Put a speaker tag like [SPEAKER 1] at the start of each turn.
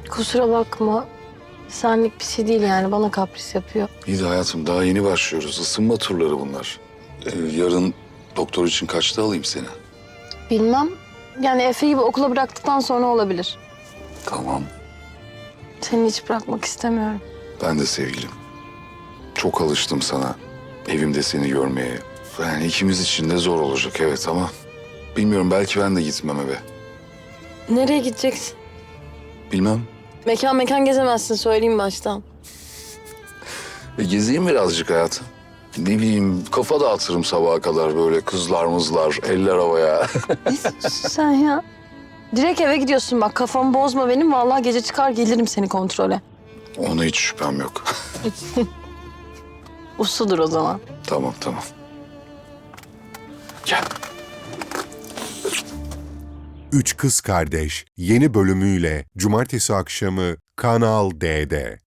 [SPEAKER 1] Kusura bakma. Senlik bir şey değil yani. Bana kapris yapıyor.
[SPEAKER 2] İyi de hayatım daha yeni başlıyoruz. Isınma turları bunlar. Yarın doktor için kaçta alayım seni?
[SPEAKER 1] Bilmem. Yani Efe'yi bir okula bıraktıktan sonra olabilir.
[SPEAKER 2] Tamam.
[SPEAKER 1] Seni hiç bırakmak istemiyorum.
[SPEAKER 2] Ben de sevgilim. Çok alıştım sana. Evimde seni görmeye. Yani ikimiz için de zor olacak evet ama... Bilmiyorum belki ben de gitmem eve.
[SPEAKER 1] Nereye gideceksin?
[SPEAKER 2] Bilmem.
[SPEAKER 1] Mekan gezemezsin söyleyeyim baştan.
[SPEAKER 2] Gezeyim birazcık hayatım. Ne bileyim kafa dağıtırım sabaha kadar böyle kızlar mızlar, eller havaya.
[SPEAKER 1] Ne diyorsun sen ya? Direkt eve gidiyorsun bak kafamı bozma benim. Vallahi gece çıkar gelirim seni kontrole.
[SPEAKER 2] Ona hiç şüphem yok.
[SPEAKER 1] Usludur o zaman.
[SPEAKER 2] Tamam. Gel.
[SPEAKER 3] Üç Kız Kardeş yeni bölümüyle Cumartesi akşamı Kanal D'de.